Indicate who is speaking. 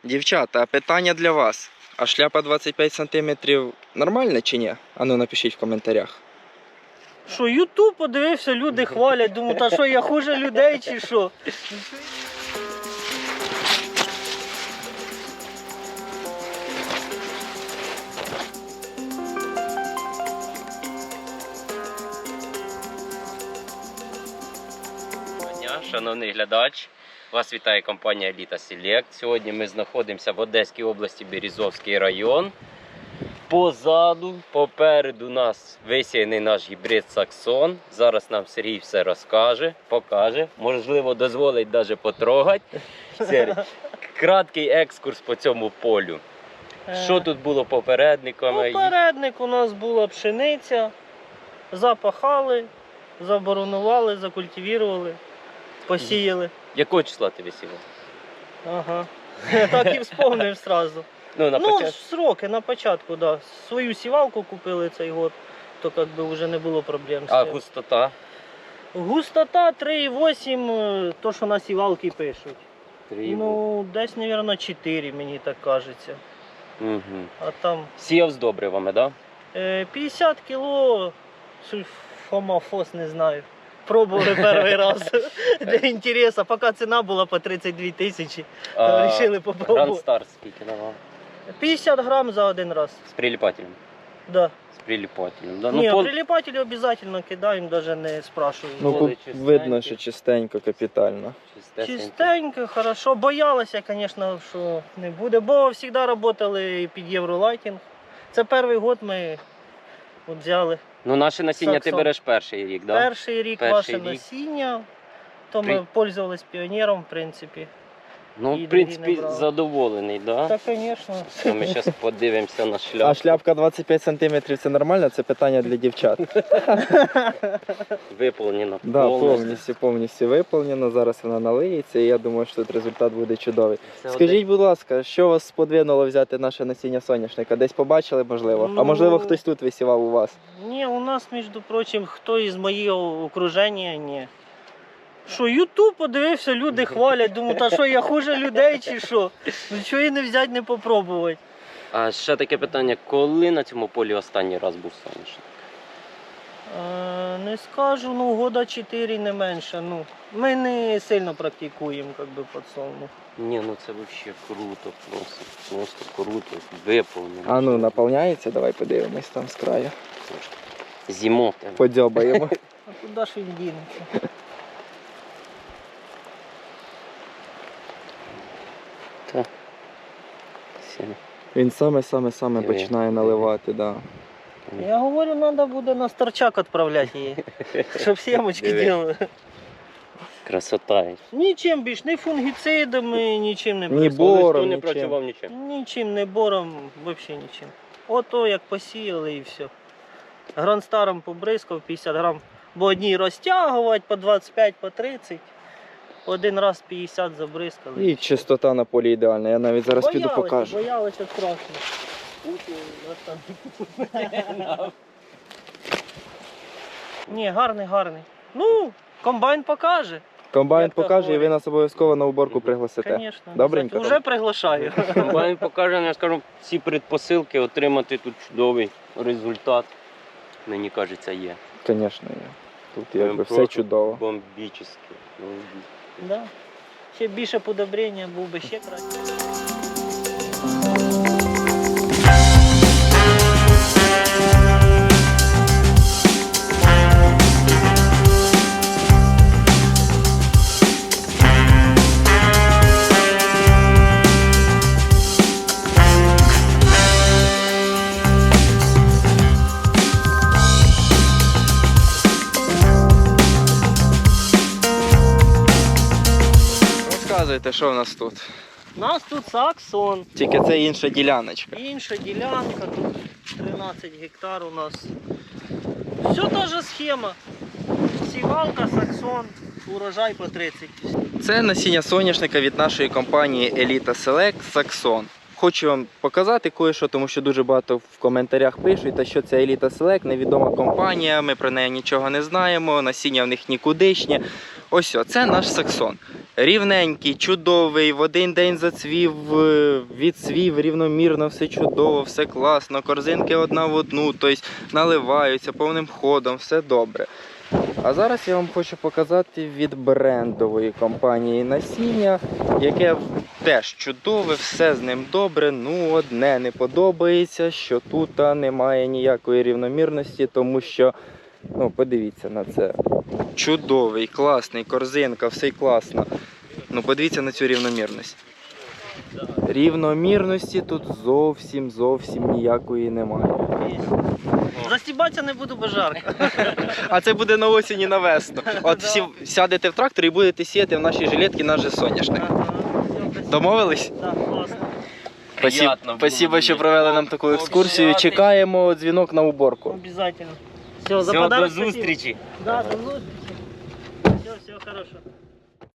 Speaker 1: Дівчата, питання для вас. А шляпа 25 см нормальна чи ні? Ану напишіть в коментарях.
Speaker 2: Що, Ютуб подивився, люди хвалять, думаю, та що я хуже людей чи що?
Speaker 3: Шановний глядач, вас вітає компанія Еліта Селект. Сьогодні ми знаходимося в Одеській області, Березовський район. Позаду, попереду нас висіяний наш гібрид Саксон. Зараз нам Сергій все розкаже, покаже, можливо дозволить навіть потрогати. Сергій, краткий екскурс по цьому полю. Що тут було попередниками?
Speaker 2: Попередник у нас була пшениця, запахали, заборонували, закультивували, посіяли.
Speaker 3: Якого числа ти висівав?
Speaker 2: Ага, так і вспомнив одразу. Ну, сроки на початку, да. Свою сівалку купили цей год, то как би вже не було проблем з цим.
Speaker 3: А густота?
Speaker 2: Густота 3,8, то що на сівалки пишуть.
Speaker 3: 3,8.
Speaker 2: Ну, десь, мабуть, 4, мені так кажеться.
Speaker 3: Угу.
Speaker 2: А там
Speaker 3: Сіяв з добривами, так? Да?
Speaker 2: 50 кіло сульфамофос, не знаю. Пробували перший раз для інтересу, поки ціна була по 32 тисячі, то вирішили попробувати.
Speaker 3: Гранд Старт скільки давав?
Speaker 2: 50 грам за один раз.
Speaker 3: З прилипателем?
Speaker 2: Да.
Speaker 3: З прилипателем, да?
Speaker 2: Ні,
Speaker 3: Ну,
Speaker 2: прилипателі обов'язково кидаємо, навіть не спрашуємо.
Speaker 1: Ну,
Speaker 3: Воли
Speaker 1: видно, що чистенько, капітально.
Speaker 2: Чистенько, хорошо. Боялися, звісно, що не буде, бо завжди працювали під Євролайтінг. це перший год ми от взяли.
Speaker 3: Ну, наше насіння
Speaker 2: Саксон.
Speaker 3: ти береш перший рік, так? Да?
Speaker 2: Перший рік ваше насіння, то ми пользувались піонером, в принципі.
Speaker 3: Ну, в принципі, задоволений, так?
Speaker 2: Так, звісно.
Speaker 3: Ми зараз подивимося на шляпку.
Speaker 1: А шляпка 25 см це нормально? Це питання для дівчат.
Speaker 3: Виповнено
Speaker 1: Да, повністю виповнено. Зараз вона налиється і я думаю, що тут результат буде чудовий. Скажіть, будь ласка, що вас сподвинуло взяти наше насіння соняшника? Десь побачили, можливо? А можливо, хтось тут висівав у вас?
Speaker 2: Ні, у нас, між прочим, хто із моєго окруження, ні. Що, Ютуб подивився, люди хвалять, думаю, та що я хуже людей чи що? Ну чого і не взяти, не попробувати.
Speaker 3: А ще таке питання, коли на цьому полі останній раз був соняшник?
Speaker 2: Не скажу, ну года 4 не менше. Ну, ми не сильно практикуємо, як би, подсолнух.
Speaker 3: Ні, ну це взагалі круто, просто круто, виповнено.
Speaker 1: А ну, наповняється? Давай подивимось там з краю.
Speaker 3: Зимов.
Speaker 1: Подьобаємо.
Speaker 2: А куди ж він дінеться?
Speaker 1: Він саме починає наливати, так. Да.
Speaker 2: Я говорю, треба буде на старчак відправляти її, щоб сімочки робили.
Speaker 3: Красота.
Speaker 2: Нічим більш, ні фунгіцидами, нічим не
Speaker 1: Ні
Speaker 2: працював.
Speaker 1: бором,
Speaker 3: не
Speaker 1: нічим.
Speaker 3: працював нічим.
Speaker 2: Нічим, не бором, взагалі нічим. Ото як посіяли і все. Грандстаром побризкав 50 грам, бо одній розтягувати по 25, по 30. Один раз 50 забризкали.
Speaker 1: І чистота на полі ідеальна. Я навіть зараз піду покажу.
Speaker 2: Боялися страшно. Ні, гарний. Ну, комбайн покаже.
Speaker 1: Комбайн
Speaker 2: Як то
Speaker 1: покаже і ви
Speaker 2: говорять.
Speaker 1: нас обов'язково на уборку пригласите.
Speaker 2: Звісно.
Speaker 1: Добренько.
Speaker 2: Уже приглашаю.
Speaker 3: Комбайн покаже, я скажу, всі предпосилки отримати тут чудовий результат. Мені кажеться, є.
Speaker 1: Звісно, є. Тут якби все
Speaker 3: Просто
Speaker 1: чудово.
Speaker 3: Бомбічно.
Speaker 2: Да. Ще більше подобрення, був би ще краще.
Speaker 1: Розказуйте, що в нас тут.
Speaker 2: У нас тут Саксон.
Speaker 1: Тільки це інша діляночка.
Speaker 2: Інша ділянка, тут 13 гектар у нас. Все та же схема. Сівалка, Саксон, урожай по 30.
Speaker 1: Це насіння соняшника від нашої компанії Elita Select Saxon. Хочу вам показати кое-що, тому що дуже багато в коментарях пишуть, та що це Elita Select, невідома компанія, ми про неї нічого не знаємо, насіння в них нікудишнє. Ось, це наш Saxon. Рівненький, чудовий, в один день зацвів, відцвів рівномірно, все чудово, все класно, корзинки одна в одну, тобто наливаються повним ходом, все добре. А зараз я вам хочу показати від брендової компанії насіння, яке теж чудове, все з ним добре, ну одне не подобається, що тут немає ніякої рівномірності, тому що, ну подивіться на це, чудовий, класний, корзинка, все класно. Ну подивіться на цю рівномірність. Рівномірності тут зовсім ніякої немає.
Speaker 2: Застібатися не буду, бо жарко.
Speaker 1: А це буде на осінь і на весну. От всі сядете в трактор і будете сіяти в нашій жилетці наш же соняшник. Домовились?
Speaker 2: Так, класно.
Speaker 1: Спасибо, що провели нам таку екскурсію. Чекаємо дзвінок на уборку.
Speaker 2: Обязательно. Все,
Speaker 3: Все, до зустрічі.
Speaker 2: Да, до зустрічі. Все, всього хорошого.